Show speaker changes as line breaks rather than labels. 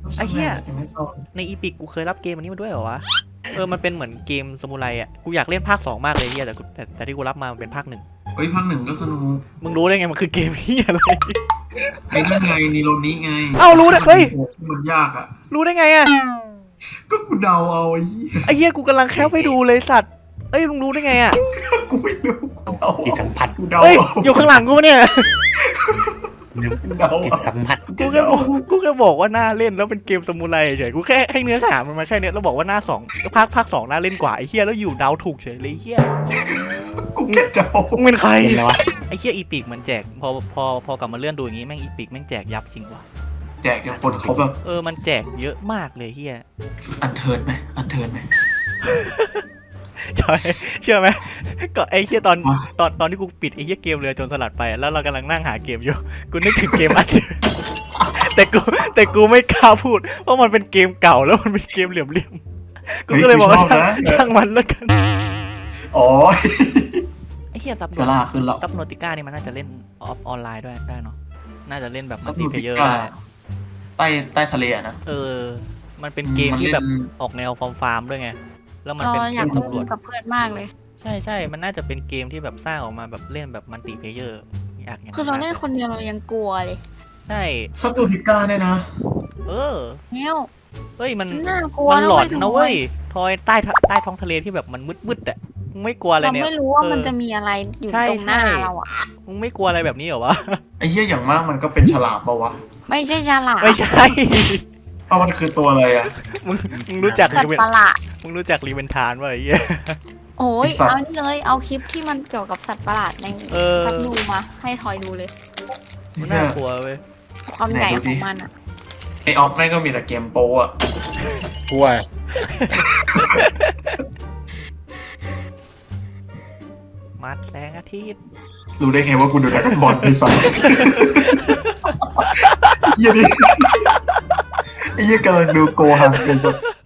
ไอ้เหี้ย
ยังไม่เข้า
ในอีพิกกูเคยรับเกมอันนี้มาด้วยเหรอวะมันเป็นเหมือนเกมซามูไรอ่ะกูอยากเล่นภาค2มากเลยเฮียแต่ที่กูรับมามันเป็นภาค1
เฮ้ยภาคหนึ่งก็สนุก
มึงรู้ได้ไงมันคือเกมเฮียอะไร
ไอ้นั่นไงนีโรนี้ไง
เอ้ารู้ได้เฮ้ย
ที่มันยากอ่ะ
รู้ได้ไงอ่ะ
ก็กูเดาเอาไอ้เหี้ย
ไอ้เฮียกูกำลังแคปไปดูเลยสัตว์เอ้ยมึงรู้ได้ไงอ่ะ
กูไม่รู้กูเดา
จิตสัมผัส
กูเดา
เอ้ย
เอา
อยู่ข้างหลังกูปะเนี่ย
กูเดา
จิต
เอา
สัมผัส
กูแค่บอกว่าน่าเล่นแล้วเป็นเกมซามูไรเฉยกูแค่ให้เนื้อหามันมาแค่เนี้ยแล้วบอกว่าหน้าภาคสองน่าเล่นกว่าไอ้เฮียแล้วอยู่เดาถูกเฉยเลยไอ้เฮีย
กูแค่เดา
มึงเป็นใคร
เป็นไรวะ
ไอ้เฮียอีพิกมันแจกพอกลับมาเลื่อนดูอย่างงี้แม่งอีพิกแม่งแจกยับจริงว่ะ
แจกจนคนเขาแบบ
มันแจกเยอะมากเลยเฮีย
อันเทิร์นไหมอันเทิร์นไหม
ใช่เชื่อไหมก็ไอ้เฮียตอน
วะ
ตอนที่กูปิดไอ้เฮียเกมเรือโจรสลัดไปแล้วเรากำลังนั่งหาเกมอยู่กูนึกถึงเกมอันเดิมแต่กูไม่กล้าพูดเพราะมันเป็นเกมเก่าแล้วมันเป็นเกมเหลี่ยมๆกูก็เลยบอกว่าช่างมันแล้วกัน
อ๋อ
ไอ้เฮียซับ
เวลาขึ้นแล้ว
ซับโนติก้านี่มันน่าจะเล่นออนไลน์ด้วยได้เนาะน่าจะเล่นแบบ
ซั
มั
บ
ลติ
นู
เพ
ติ
เยอร์
ก้า
ได้
ใต้ทะเลอะนะ
มันเป็นเกมที่แบบ
นเล่น
ออกแนวฟาร์มด้วยไงแล้วมัน
เรา
เป็น
อยาก
เกม
เล่
ตำรวจ
นกับเพื่อนมากเลย
ใช่ มันน่าจะเป็นเกมที่แบบสร้างออกมาแบบเล่นแบบมัลติเพเยอร์อยากอย่าง
คือเราเล่นคนเดียวเรายังกลัวเลย
ใช่
ซับนูติก้าเนี่ยนะ
เออ
เนี่ย
เฮ้ยมัน
น่ากลัว
มันหลอน
ทำไม
นะเว้ยทอยใต้ท้องทะเลที่แบบมันมืดๆอ่ะมึงไม่กลัวอะไร
เรา
เนี่ย
ไม่รู้ว่ามัน
เออ
จะมีอะไรอยู่
ใช่
ตรงหน้า
ใช่
เราอ่ะ
มึงไม่กลัวอะไรแบบนี้เหรอวะ
ไอ้เหี้ยอย่างมากมันก็เป็นฉลามปะวะ
ไม่ใช่ฉลาม
ไม่ใช่
เพราะมันคือตัวอะไรอะ
มึงรู้จัก
สัต
รีเวน
ว์ประหลาด
มึงรู้จักรีเวนทานป่ะไอ้เหี้ย
โอ้ย
ไอ้สัตว์
เอานี่เลยเอาคลิปที่มันเกี่ยวกับสัตว์ประหลาดใน
เออ
สักดูมาให้ทอยดูเลย
มันน่ากลัวเว้ย
ความใหญ่ของมันอ่ะ
ไอออฟแม่งก็มีแต่เกมโปอะ
กลัว
มัดแสงอาทิตย์
รู้ได้ไงว่ากูดูดราก้อนบอลไอ้สัสเหี้ยนี่ไอ้เหี้ยกำลังดูโกฮังเป็นสัส